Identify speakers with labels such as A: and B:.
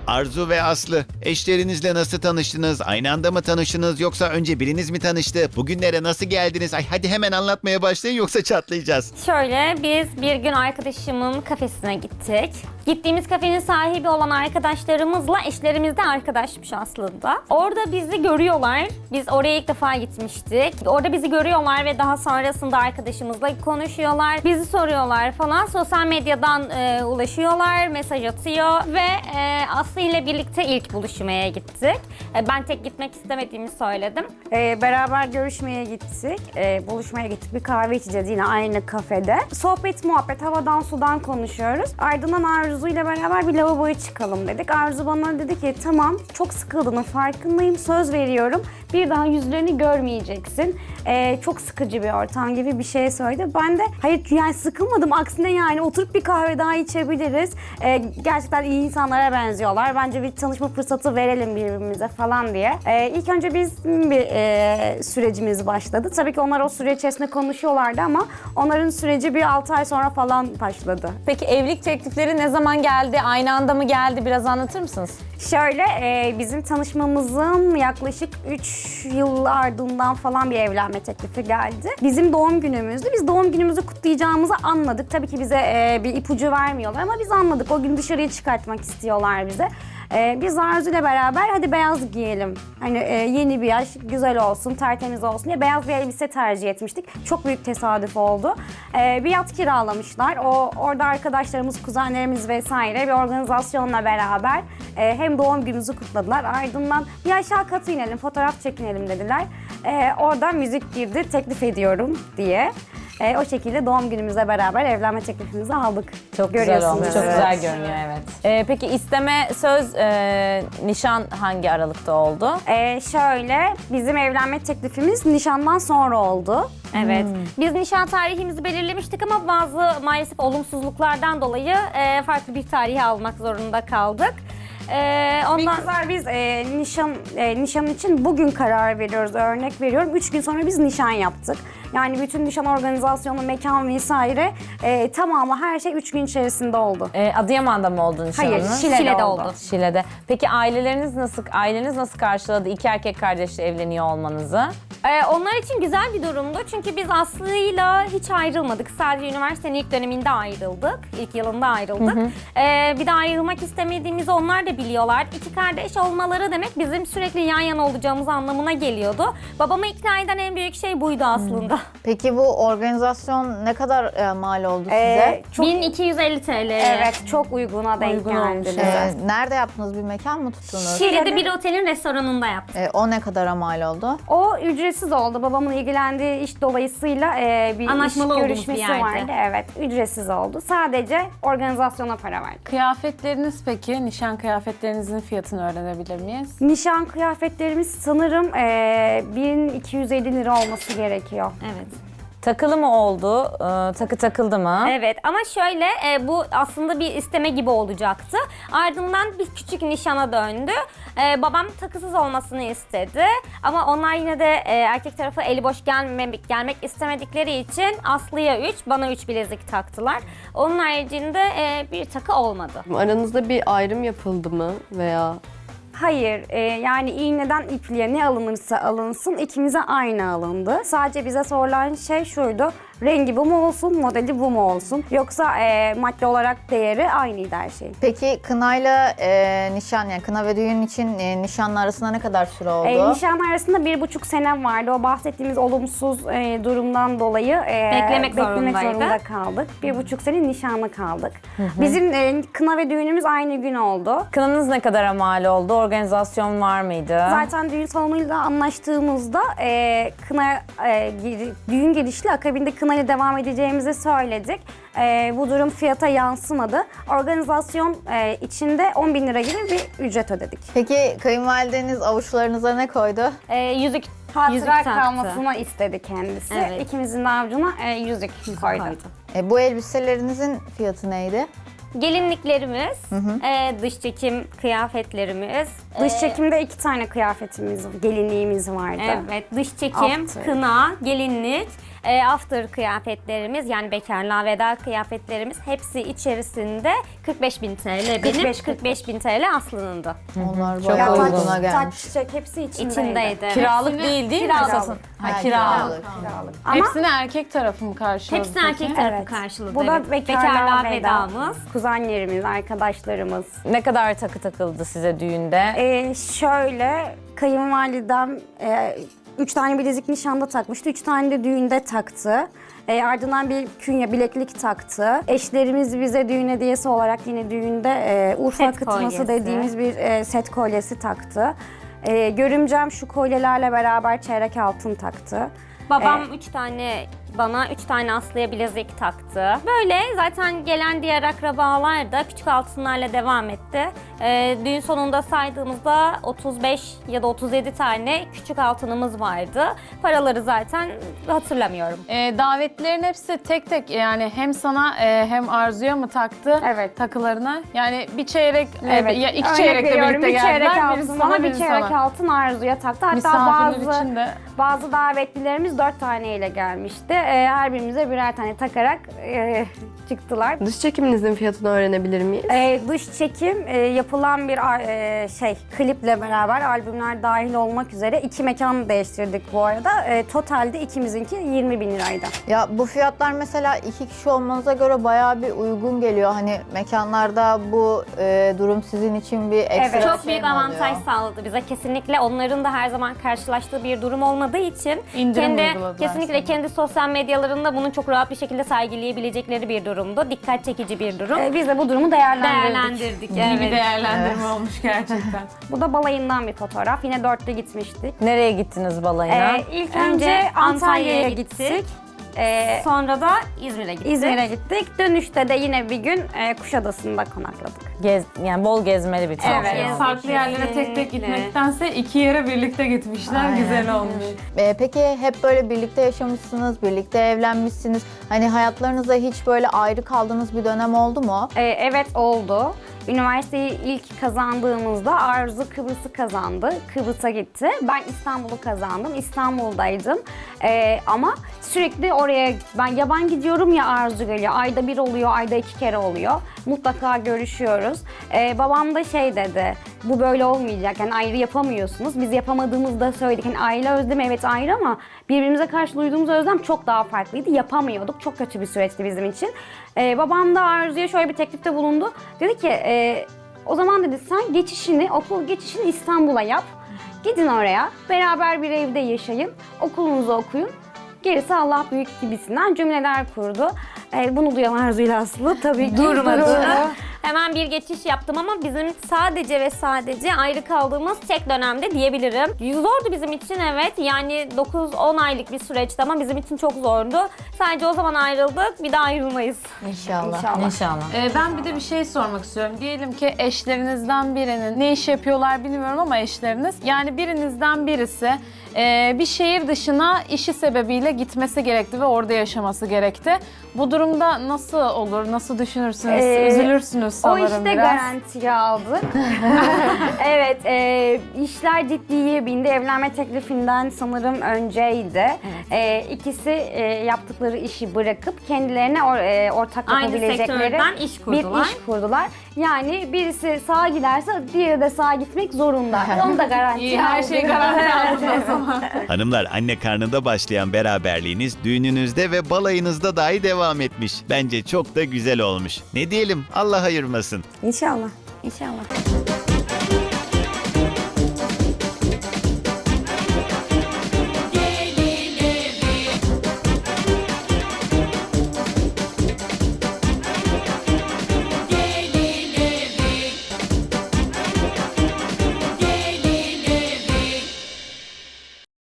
A: Arzu ve Aslı, eşlerinizle nasıl tanıştınız? Aynı anda mı tanıştınız yoksa önce biriniz mi tanıştı? Bugünlere nasıl geldiniz? Ay hadi hemen anlatmaya başlayın yoksa çatlayacağız.
B: Şöyle, biz bir gün arkadaşımın kafesine gittik. Gittiğimiz kafenin sahibi olan arkadaşlarımızla eşlerimiz de arkadaşmış aslında. Orada bizi görüyorlar. Biz oraya ilk defa gitmiştik. Orada bizi görüyorlar ve daha sonrasında arkadaşımızla konuşuyorlar. Bizi soruyorlar falan. Sosyal medyadan ulaşıyorlar, mesaj atıyor ve Aslı ile birlikte ilk buluşmaya gittik. Ben tek gitmek istemediğimi söyledim.
C: Beraber görüşmeye gittik, buluşmaya gittik. Bir kahve içeceğiz yine aynı kafede. Sohbet, muhabbet, havadan sudan konuşuyoruz. Ardından Arzu ile beraber bir lavaboya çıkalım dedik. Arzu bana dedi ki tamam, çok sıkıldığının farkındayım, söz veriyorum. Bir daha yüzlerini görmeyeceksin. Çok sıkıcı bir ortam gibi bir şey söyledi. Ben de hayır yani sıkılmadım. Aksine yani oturup bir kahve daha içebiliriz. Gerçekten iyi insanlara benziyorlar. Bence bir tanışma fırsatı verelim birbirimize falan diye. İlk önce bizim bir sürecimiz başladı. Tabii ki onlar o süre içerisinde konuşuyorlardı ama onların süreci bir 6 ay sonra falan başladı.
D: Peki evlilik teklifleri ne zaman geldi? Aynı anda mı geldi? Biraz anlatır mısınız?
C: Şöyle bizim tanışmamızın yaklaşık 3 yıl ardından falan bir evlenme teklifi geldi. Bizim doğum günümüzdü. Biz doğum günümüzü kutlayacağımızı anladık. Tabii ki bize bir ipucu vermiyorlar ama biz anladık. O gün dışarıya çıkartmak istiyorlar bize. Biz Arzu ile beraber hadi beyaz giyelim. Hani yeni bir yaş, güzel olsun, tertemiz olsun diye beyaz bir elbise tercih etmiştik. Çok büyük tesadüf oldu. Bir yat kiralamışlar. Orada arkadaşlarımız, kuzenlerimiz vesaire bir organizasyonla beraber hem doğum günümüzü kutladılar. Ardından bir aşağı katı inelim, fotoğraf çekinelim dediler. Orada müzik girdi, teklif ediyorum diye. O şekilde doğum günümüzle beraber evlenme teklifimizi aldık.
D: Çok güzel olmuş, çok güzel görünüyor evet. Peki isteme, söz, nişan hangi aralıkta oldu?
C: Şöyle, bizim evlenme teklifimiz nişandan sonra oldu.
B: Evet. Biz nişan tarihimizi belirlemiştik ama bazı maalesef olumsuzluklardan dolayı farklı bir tarihi almak zorunda kaldık.
C: Biz nişan için bugün karar veriyoruz, örnek veriyorum. 3 gün sonra biz nişan yaptık. Yani bütün nişan organizasyonu, mekan vesaire tamamı her şey 3 gün içerisinde oldu.
D: Adıyaman'da mı oldu nişanınız?
C: Hayır, Şile'de oldu.
D: Şile'de. Peki aileniz nasıl karşıladı iki erkek kardeşle evleniyor olmanızı?
B: Onlar için güzel bir durumdu çünkü biz Aslı'yla hiç ayrılmadık. Sadece üniversitenin ilk döneminde ayrıldık. İlk yılında ayrıldık. Bir de ayrılmak istemediğimizi onlar da biliyorlar. İki kardeş olmaları demek bizim sürekli yan yana olacağımız anlamına geliyordu. Babamı ikna eden en büyük şey buydu aslında.
E: Peki bu organizasyon ne kadar mal oldu size?
B: 1250 TL.
C: Evet, çok uyguna denk geldi.
E: Nerede yaptınız? Bir mekan mı tuttunuz?
B: Şile'de bir otelin restoranında yaptık.
E: O ne kadara mal oldu?
C: O ücretsiz oldu. Babamın ilgilendiği iş dolayısıyla bir
B: Anlaşmalı
C: iş
B: olduğumuz
C: görüşmesi
B: bir yerde.
C: vardı. Evet, ücretsiz oldu. Sadece organizasyona para verdik.
F: Kıyafetleriniz peki? Nişan kıyafetlerinizin fiyatını öğrenebilir miyiz?
C: Nişan kıyafetlerimiz sanırım 1250 lira olması gerekiyor.
B: Evet.
D: Takılı mı oldu? Takı takıldı mı?
B: Evet ama şöyle bu aslında bir isteme gibi olacaktı. Ardından bir küçük nişana döndü. Babam takısız olmasını istedi. Ama onlar yine de erkek tarafı eli boş gelmek istemedikleri için Aslı'ya 3, bana 3 bilezik taktılar. Onun haricinde bir takı olmadı.
G: Aranızda bir ayrım yapıldı mı veya?
C: Hayır, yani iğneden ipliğe ne alınırsa alınsın ikimize aynı alındı. Sadece bize sorulan şey şuydu, rengi bu mu olsun, modeli bu mu olsun? Yoksa madde olarak değeri aynıydı her şey.
E: Peki kınayla nişan, yani kına ve düğün için nişanın arasında ne kadar süre oldu?
C: Nişan arasında 1,5 senem vardı. O bahsettiğimiz olumsuz durumdan dolayı
B: Beklemek
C: zorunda kaldık. 1,5 sene nişanlı kaldık. Bizim kına ve düğünümüz aynı gün oldu.
D: Kınanız ne kadara mal oldu? Organizasyon var mıydı?
C: Zaten düğün salonuyla anlaştığımızda düğün girişli akabinde kına ile devam edeceğimizi söyledik. Bu durum fiyata yansımadı. Organizasyon içinde 10.000 lira gibi bir ücret ödedik.
E: Peki kayınvalideniz avuçlarınıza ne koydu?
B: Yüzük
C: Hatıra
B: taktı.
C: kalmasını istedi kendisi.
B: Evet.
C: İkimizin de avucuna yüzük koydu.
E: Bu elbiselerinizin fiyatı neydi?
B: gelinliklerimiz, dış çekim kıyafetlerimiz.
C: Dış çekimde 2 tane kıyafetimiz, gelinliğimiz vardı.
B: Evet, dış çekim,
C: After.
B: kına, gelinlik, after kıyafetlerimiz yani bekarlığa veda kıyafetlerimiz hepsi içerisinde 45.000 TL. Benim 45.000 TL Aslı'nın da.
E: Onlar
D: Çok
E: bayağı
D: uygun.
E: uyguna
C: Taç,
E: gelmiş.
C: çiçek hepsi içindeydi.
B: İçindeydi.
D: Kiralık değil mi?
B: Kiralık.
D: Esasın? Ha,
E: Ha,
D: kiralık.
C: Kiralık. Ama
F: Hepsini erkek tarafı mı karşıladı
B: Hepsi
F: peki?
B: erkek tarafı
C: evet.
B: karşıladı.
C: Bu da
B: evet.
C: bekarlığa
B: vedamız.
C: Kuzenlerimiz, arkadaşlarımız.
D: Ne kadar takı takıldı size düğünde?
C: Şöyle kayınvalidem 3 tane bilezik nişanda takmıştı. 3 tane de düğünde taktı. Ardından bir künye bileklik taktı. Eşlerimiz bize düğün hediyesi olarak yine düğünde Urfa
B: Set
C: akıtması
B: kolyesi.
C: dediğimiz bir set kolyesi taktı. Görümcem şu kolyelerle beraber çeyrek altın taktı.
B: Babam 3 tane bana, 3 tane Aslı'ya bilezik taktı. Böyle zaten gelen diğer akrabalar da küçük altınlarla devam etti. Düğün sonunda saydığımızda 35 ya da 37 tane küçük altınımız vardı. Paraları zaten hatırlamıyorum.
F: Davetlilerin hepsi tek tek yani hem sana hem Arzu'ya mı taktı
C: Evet.
F: takılarını? Yani bir çeyrek
C: Evet.
F: ya iki
C: Örnek
F: çeyrekle
C: veriyorum,
F: birlikte
C: bir çeyrek
F: geldiler. Birisi
C: altın bana,
F: sana,
C: bir
F: biri
C: çeyrek
F: sana.
C: altın Arzu'ya taktı. Hatta
F: Misafirler için de
C: bazı davetlilerimiz 4 taneyle gelmişti. Her birimize birer tane takarak çıktılar.
G: Dış çekiminizin fiyatını öğrenebilir miyiz?
C: Dış çekim yapılan bir kliple beraber albümler dahil olmak üzere 2 mekan değiştirdik bu arada. Totalde ikimizinki 20.000 liraydı.
E: Ya bu fiyatlar mesela 2 kişi olmanıza göre bayağı bir uygun geliyor. Hani mekanlarda bu durum sizin için bir ekstra
C: Evet.
B: Çok
E: şey
B: büyük
E: mi
B: avantaj
E: oluyor?
B: sağladı bize. Kesinlikle onların da her zaman karşılaştığı bir durum olmadığı için
F: İndirim uyguladılar
B: kesinlikle
F: sana.
B: kendi sosyal medyalarında bunu çok rahat bir şekilde sergileyebilecekleri bir durumdu. Dikkat çekici bir durum.
C: Biz de bu durumu değerlendirdik.
F: iyi bir
B: Evet.
F: değerlendirme olmuş gerçekten.
C: Bu da balayından bir fotoğraf. Yine 4'te gitmiştik.
D: Nereye gittiniz balayına?
C: İlk
B: Önce
C: önce Antalya'ya
B: Antalya'ya
C: gittik.
B: Sonra da İzmir'e gittik.
C: İzmir'e gittik. Dönüşte de yine bir gün Kuşadası'nda konakladık.
D: Yani bol gezmeli bir tatil.
B: Evet.
D: oldu.
F: Farklı yerlere tek tek
B: Kesinlikle.
F: gitmektense 2 yere birlikte gitmişler.
E: Aynen.
F: Güzel olmuş.
E: Peki hep böyle birlikte yaşamışsınız, birlikte evlenmişsiniz. Hani hayatlarınızda hiç böyle ayrı kaldığınız bir dönem oldu mu?
C: Evet oldu. Üniversiteyi ilk kazandığımızda Arzu Kıbrıs'ı kazandı. Kıbrıs'a gitti. Ben İstanbul'u kazandım. İstanbul'daydım. Ama sürekli oraya ben gidiyorum ya Arzu geliyor. Ayda bir oluyor, ayda 2 kere oluyor. Mutlaka görüşüyoruz. Babam da şey dedi, bu böyle olmayacak. Yani ayrı yapamıyorsunuz. Biz yapamadığımızda söyledik. Yani aile özlemi evet ayrı ama birbirimize karşı duyduğumuz özlem çok daha farklıydı. Yapamıyorduk. Çok kötü bir süreçti bizim için. Babam da Arzu'ya şöyle bir teklifte bulundu. Dedi ki o zaman dedi sen okul geçişini İstanbul'a yap. Gidin oraya. Beraber bir evde yaşayın. Okulunuzu okuyun. Gerisi Allah büyük gibisinden cümleler kurdu. Bunu duyan Arzu'yla Aslı tabii ki durmadı.
B: Hemen bir geçiş yaptım ama bizim sadece ve sadece ayrı kaldığımız tek dönemde diyebilirim. Zordu bizim için evet. Yani 9-10 aylık bir süreçti ama bizim için çok zordu. Sadece o zaman ayrıldık. Bir daha ayrılmayız.
E: İnşallah.
D: İnşallah.
F: Ben bir de bir şey sormak istiyorum. Diyelim ki eşlerinizden birinin ne iş yapıyorlar bilmiyorum ama eşleriniz. Yani birinizden birisi bir şehir dışına işi sebebiyle gitmesi gerekti ve orada yaşaması gerekti. Bu durumda nasıl olur? Nasıl düşünürsünüz? Üzülürsünüz
C: O
F: sanırım
C: işte
F: biraz.
C: garantiye aldık. Evet, işler ciddiye bindi. Evlenme teklifinden sanırım önceydi. İkisi yaptıkları işi bırakıp kendilerine ortak
B: Aynı
C: yapabilecekleri
B: sektörden iş kurdular.
C: bir iş kurdular. Yani birisi sağa giderse diğeri de sağa gitmek zorunda. Onu da garantiye
F: İyi, her
C: aldık.
F: şey garanti altında o zaman.
A: Hanımlar, anne karnında başlayan beraberliğiniz düğününüzde ve balayınızda dahi devam etmiş. Bence çok da güzel olmuş. Ne diyelim, Allah ayırmasın.
C: İnşallah. İnşallah.